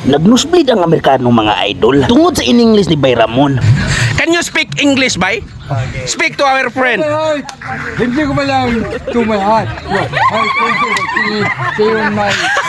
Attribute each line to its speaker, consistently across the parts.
Speaker 1: Nag-nosebleed ang Amerikano mga idol tungod sa in-English ni Bay Ramon.
Speaker 2: Can you speak English, Bay?
Speaker 3: Okay.
Speaker 2: Speak to our friend.
Speaker 3: My heart. Hindi ko malang to my heart. Your heart, see you in my...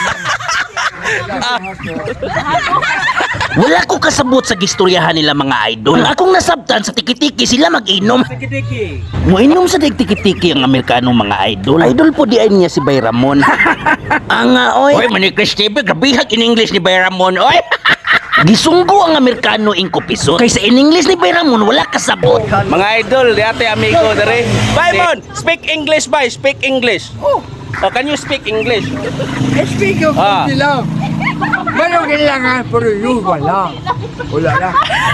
Speaker 1: Wala ko kasabot sa gistoryahan nila mga idol. Ang akong nasabtan sa tiki-tiki sila mag-inom. Muinom sa tiki-tiki ang Amerikano mga idol. Idol po di ay niya si Bay Ramon. Oy, Manikris TV, grabihag in-English ni Bay Ramon, oy. Gisunggo ang Amerikano ingkopiso. Kaysa in-English ni Bay Ramon, wala kasabot.
Speaker 2: Mga idol, dati amigo dere. Baymon, speak English, Bay. Speak English. Oh, can you speak English?
Speaker 3: Speak of lang. Meron kailangan, pero yun wala. Wala na.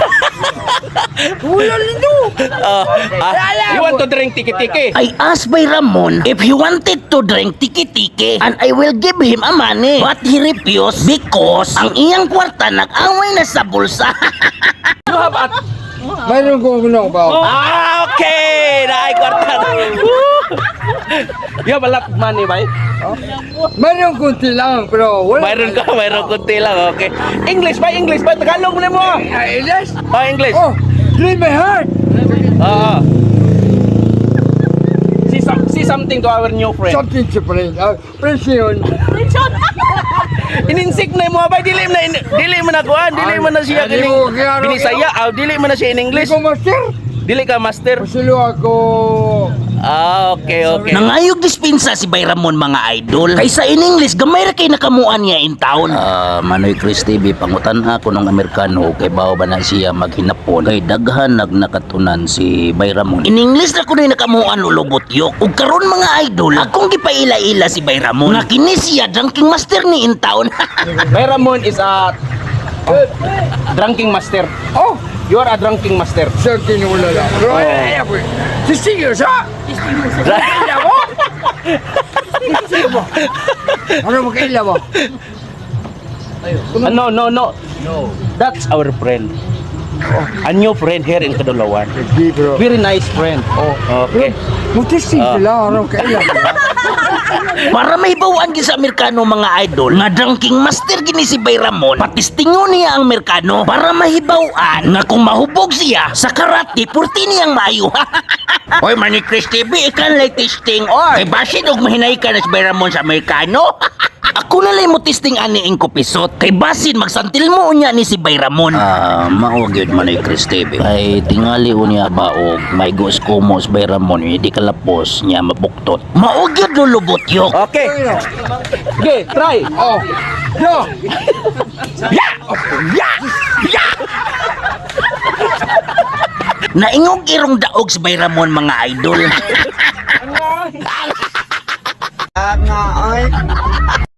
Speaker 3: Wala nito.
Speaker 2: You want to drink tiki-tiki?
Speaker 1: I asked Bay Ramon if he wanted to drink tiki-tiki and I will give him a money. But he refused because ang iyang kwarta nag-away na sa bulsa.
Speaker 2: You have a...
Speaker 3: Meron ko ano ba?
Speaker 2: Okay! Naay kwarta. You have a lot of money, Bay?
Speaker 3: Meron kunti lang, pero wala.
Speaker 2: Mayroon kunti lang, okay. English, Bay, English, Bay. Tagalog mo mo.
Speaker 3: English?
Speaker 2: Oh, English.
Speaker 3: Oh, leave my heart.
Speaker 2: See something to our new friend.
Speaker 3: Something to bring. Presyon.
Speaker 2: Ininsik na mo ba dili mo na kuan, dili mo na siya
Speaker 3: Dili
Speaker 2: kining
Speaker 3: mo, kaya ano,
Speaker 2: binisaya, dili mo na siya in English.
Speaker 3: Hindi ko master.
Speaker 2: Dili ka master.
Speaker 3: Pasilo ako.
Speaker 2: Okay.
Speaker 1: Nangayog dispensa si Bay Ramon mga idol. Kaysa in English, gamay ra kay nakamuan niya in town. Manoy Chris TV, pangutan ako ng Amerikano kay bao ba na siya maghinapon. Kay daghan nakatunan si Bay Ramon. In English na ko na nakamuan ulubot yok. Ug karon mga idol, akong gipaila-ila si Bay Ramon. Nga kini siya drinking master ni in town.
Speaker 2: Bay Ramon is a drinking master.
Speaker 3: Oh,
Speaker 2: You are a drinking master.
Speaker 3: something wala lang. Pero ay ako. Distinguish ha? Kailan mo? Ano mo kailan mo?
Speaker 2: No. That's our friend. A new friend here in Kadulawan.
Speaker 3: Hindi bro.
Speaker 2: Very nice friend. Okay.
Speaker 3: Mutising sila. Ano kailan mo?
Speaker 1: Para mahibawaan gid sa Amerikano mga idol nga drinking master gini si Bay Ramon, patistingon niya ang Amerikano para mahibawaan nga kung mahubog siya sa karate purti niyang maayo. Oy Manny Chris TV, ikan lay testing kay basin og mahinay ka na si Bay Ramon sa Amerikano. Ako na lang mo testing ani ingko pisot kay basin magsantil mo unya ni si Bay Ramon. Mao gyud Manny Chris TV. Ay tingali unya ba og may gos kumos Bay Ramon di kalapos niya mabuktot. Mao gyud lulubot yok.
Speaker 2: Okay. Okay, try.
Speaker 3: Oh. Yo.
Speaker 1: Naingog irong daog si Bay Ramon mga idol.